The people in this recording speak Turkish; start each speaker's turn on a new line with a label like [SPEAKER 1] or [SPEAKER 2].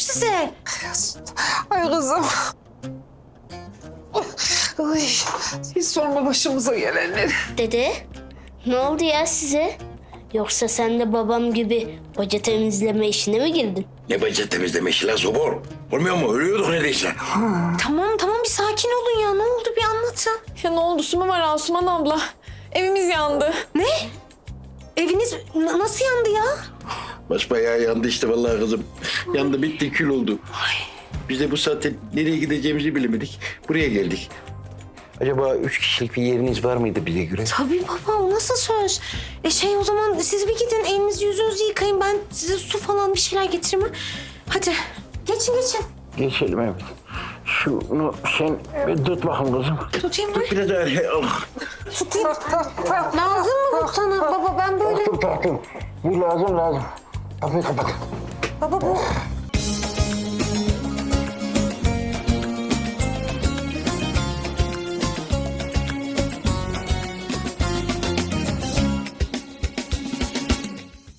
[SPEAKER 1] size?
[SPEAKER 2] Ay kızım. Ay, hiç sorma başımıza gelenleri.
[SPEAKER 3] Dede, ne oldu ya size? Yoksa sen de babam gibi baca temizleme işine mi girdin?
[SPEAKER 4] Ne bacı temizleme işi lan Zobor? Olmuyor mu? Ölüyorduk neredeyse.
[SPEAKER 1] Tamam bir sakin olun ya. Ne oldu bir anlatın.
[SPEAKER 2] Ya ne oldu su mu var Asuman abla? Evimiz yandı.
[SPEAKER 1] Ne? Eviniz nasıl yandı ya?
[SPEAKER 4] Basbayağı yandı işte vallahi kızım. Yandı bitti kül oldu. Biz de bu saatte nereye gideceğimizi bilemedik. Buraya geldik. Acaba 3 kişilik bir yeriniz var mıydı bize göre?
[SPEAKER 1] Tabii baba o nasıl söz? O zaman siz bir gidin elinizi yüzünüzü yıkayın. Ben size su falan bir şeyler getireyim. Geçin.
[SPEAKER 4] Geçelim evet. Şunu sen tut bakın kızım.
[SPEAKER 1] Tutayım mı?
[SPEAKER 4] Tut biraz daha.
[SPEAKER 1] Tutayım. Lazım mı bu sana baba? Ben böyle...
[SPEAKER 4] Taktım. Bu lazım. Kapıyı kapat.
[SPEAKER 1] Baba bu